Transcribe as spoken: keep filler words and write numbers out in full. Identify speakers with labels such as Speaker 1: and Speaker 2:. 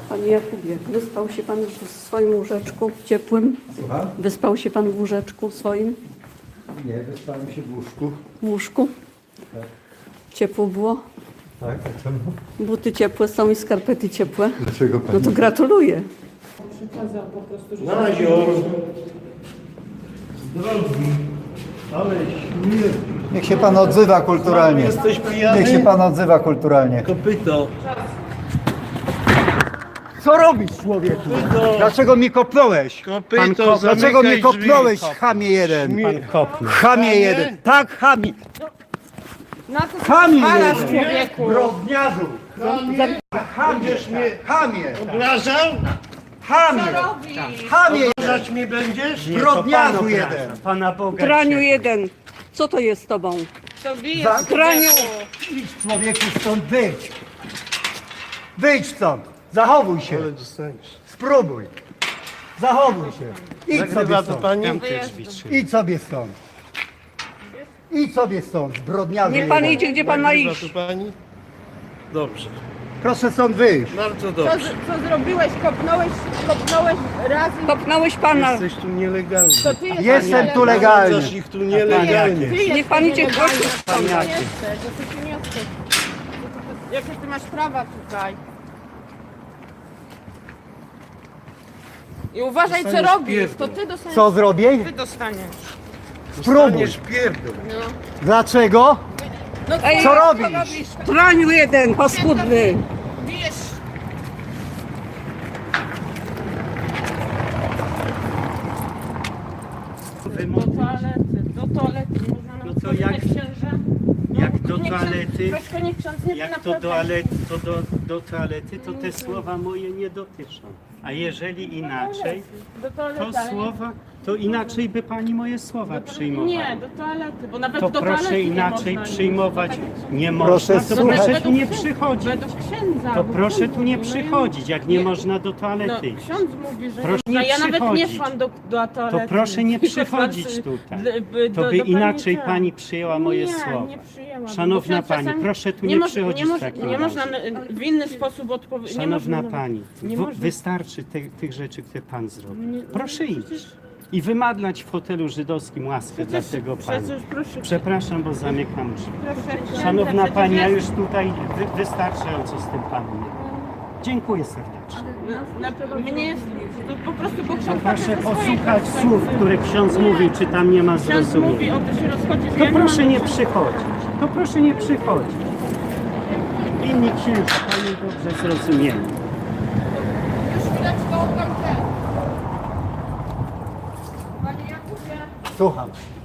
Speaker 1: Panie Jakubie, wyspał się pan w swoim łóżeczku ciepłym?
Speaker 2: Słucham?
Speaker 1: Wyspał się pan w łóżeczku swoim?
Speaker 2: Nie, wyspałem się w łóżku.
Speaker 1: W łóżku?
Speaker 2: Tak.
Speaker 1: Ciepło było?
Speaker 2: Tak, a czemu?
Speaker 1: Buty ciepłe są i skarpety ciepłe?
Speaker 2: Dlaczego pani?
Speaker 1: No to gratuluję.
Speaker 3: Przekazał po prostu, że...
Speaker 4: Na ziór. Drogi, ale śmierć.
Speaker 2: Niech się pan odzywa kulturalnie.
Speaker 4: Jesteś pijany?
Speaker 2: Niech się pan odzywa kulturalnie.
Speaker 4: Kopyto.
Speaker 2: Co robisz, człowieku?
Speaker 4: Kopyto.
Speaker 2: Dlaczego mi kopnąłeś?
Speaker 4: Kopyto,
Speaker 2: Dlaczego mnie
Speaker 4: zamykaj
Speaker 2: kopnąłeś,
Speaker 4: drzwi.
Speaker 2: chamie jeden?
Speaker 4: Śmie-
Speaker 2: Chamie jeden. Tak, chamie.
Speaker 3: Na co
Speaker 2: Chamie
Speaker 3: pozwalasz,
Speaker 2: jeden.
Speaker 3: człowieku?
Speaker 2: Brodniarzu.
Speaker 4: Chamie. Będziesz mnie
Speaker 2: Chamie.
Speaker 4: obrażał?
Speaker 2: Chamie.
Speaker 3: robisz?
Speaker 2: Chamie.
Speaker 4: Obrażać mnie będziesz?
Speaker 2: Brodniarzu jeden.
Speaker 4: Pana Boga.
Speaker 1: Traniu jeden. Co to jest z tobą?
Speaker 3: To bijesz,
Speaker 2: Za-
Speaker 1: Traniu!
Speaker 2: Idź, człowieku, stąd wyjdź. Wyjdź stąd. Zachowuj się.
Speaker 4: Ale dostaniesz.
Speaker 2: Spróbuj. Zachowuj się. Idź sobie
Speaker 4: Nagrywa to
Speaker 2: stąd.
Speaker 4: pani?
Speaker 2: Idź sobie stąd. Idź sobie stąd, zbrodniarzu.
Speaker 1: Niech pan
Speaker 2: jeden.
Speaker 1: idzie, gdzie pan ma
Speaker 4: Nagrywa
Speaker 1: iść.
Speaker 4: to pani? Dobrze.
Speaker 2: Proszę stąd wyjść.
Speaker 4: Bardzo
Speaker 3: Co,
Speaker 4: dobrze.
Speaker 3: z- co zrobiłeś? Kopnąłeś, kopnąłeś razy.
Speaker 1: Kopnąłeś pana.
Speaker 4: Jesteś tu nielegalny.
Speaker 3: To ty jesteś
Speaker 2: Jestem tu
Speaker 3: nielegalny.
Speaker 2: legalny.
Speaker 4: Obrażasz ich tu nielegalnie.
Speaker 3: Ty
Speaker 1: Niech pan
Speaker 3: jesteś
Speaker 1: idzie
Speaker 3: nielegalny.
Speaker 1: głośno.
Speaker 3: To ty nie jesteś, to ty nie jesteś. Jakie ty masz prawa tutaj? I uważaj, co
Speaker 4: Dostaniesz
Speaker 3: robisz.
Speaker 4: pierdol.
Speaker 3: To ty dostaniesz.
Speaker 2: Co zrobię?
Speaker 3: Ty dostaniesz.
Speaker 2: Spróbuj.
Speaker 4: Dostaniesz pierdol.
Speaker 3: No.
Speaker 2: Dlaczego?
Speaker 3: No
Speaker 1: Ej,
Speaker 2: Co robisz?
Speaker 1: Traniu jeden, paskudny.
Speaker 3: Bijesz. Do toalety, do toalety. Nie można nam
Speaker 5: No to
Speaker 3: wchodzić
Speaker 5: jak-
Speaker 3: księża. No,
Speaker 5: jak do
Speaker 3: niech ksiądz-
Speaker 5: toalety-
Speaker 3: Troszkę niech ksiądz nie
Speaker 5: Jak to
Speaker 3: naprawdę-
Speaker 5: do, ale, to do, do toalety, to te słowa moje nie dotyczą. A jeżeli inaczej,
Speaker 3: Do toalety,
Speaker 5: to
Speaker 3: ale nie-
Speaker 5: słowa, to inaczej by pani moje słowa przyjmowała.
Speaker 3: Nie, do toalety, bo nawet
Speaker 5: To
Speaker 3: do
Speaker 5: proszę
Speaker 3: toalety
Speaker 5: inaczej
Speaker 3: nie można
Speaker 5: przyjmować.
Speaker 3: iść.
Speaker 5: Nie
Speaker 2: Proszę
Speaker 5: można, to
Speaker 2: słuchać.
Speaker 5: proszę tu
Speaker 3: Według
Speaker 5: nie
Speaker 3: księdza-
Speaker 5: przychodzić.
Speaker 3: Według księdza.
Speaker 5: To
Speaker 3: bo
Speaker 5: proszę
Speaker 3: ksiądz
Speaker 5: tu nie
Speaker 3: mówi, no ja-
Speaker 5: przychodzić, jak nie
Speaker 3: nie.
Speaker 5: można do
Speaker 3: No,
Speaker 5: toalety iść.
Speaker 3: ksiądz mówi, że
Speaker 5: Proszę
Speaker 3: nie można.
Speaker 5: nie
Speaker 3: Ja nawet nie
Speaker 5: przychodzić.
Speaker 3: szłam do, do toalety.
Speaker 5: To proszę nie
Speaker 3: Tylko
Speaker 5: przychodzić
Speaker 3: znaczy,
Speaker 5: tutaj.
Speaker 3: d- b-
Speaker 5: To
Speaker 3: do-
Speaker 5: by
Speaker 3: do
Speaker 5: inaczej
Speaker 3: ten.
Speaker 5: pani przyjęła moje
Speaker 3: nie,
Speaker 5: słowa.
Speaker 3: Nie, przyjęłam.
Speaker 5: Szanowna
Speaker 3: Bo ksiądz
Speaker 5: pani,
Speaker 3: czasami
Speaker 5: proszę tu nie
Speaker 3: moż-
Speaker 5: przychodzić
Speaker 3: nie, moż-
Speaker 5: w takim
Speaker 3: nie
Speaker 5: razie.
Speaker 3: można w inny sposób odpowiedzieć.
Speaker 5: Szanowna pani,
Speaker 3: nie
Speaker 5: w,
Speaker 3: można.
Speaker 5: wystarczy te, tych rzeczy, które pan zrobił.
Speaker 3: Nie-
Speaker 5: Proszę iść i wymadlać w hotelu żydowskim łaskę dla tego pana.
Speaker 3: Przecież proszę.
Speaker 5: Przepraszam, bo zamykam drzwi.
Speaker 3: proszę
Speaker 5: Szanowna
Speaker 3: przecież
Speaker 5: pani, ja
Speaker 3: jest-
Speaker 5: już tutaj wy, wystarczająco z tym panem. Dziękuję serdecznie.
Speaker 3: Na, na, mnie jest, to po prostu, bo ksiądz
Speaker 5: Proszę
Speaker 3: patrzy ze swojej
Speaker 5: posłuchać
Speaker 3: perspektywy.
Speaker 5: słów, które ksiądz mówi, czy tam nie ma
Speaker 3: Ksiądz mówi,
Speaker 5: zrozumienia.
Speaker 3: o to się rozchodzi.
Speaker 5: To proszę nie przychodzić. To proszę nie przychodzić. Inni księża pani dobrze zrozumieli.
Speaker 3: Już chwileczkę oddam ten. Panie Jakubie.
Speaker 2: Słucham.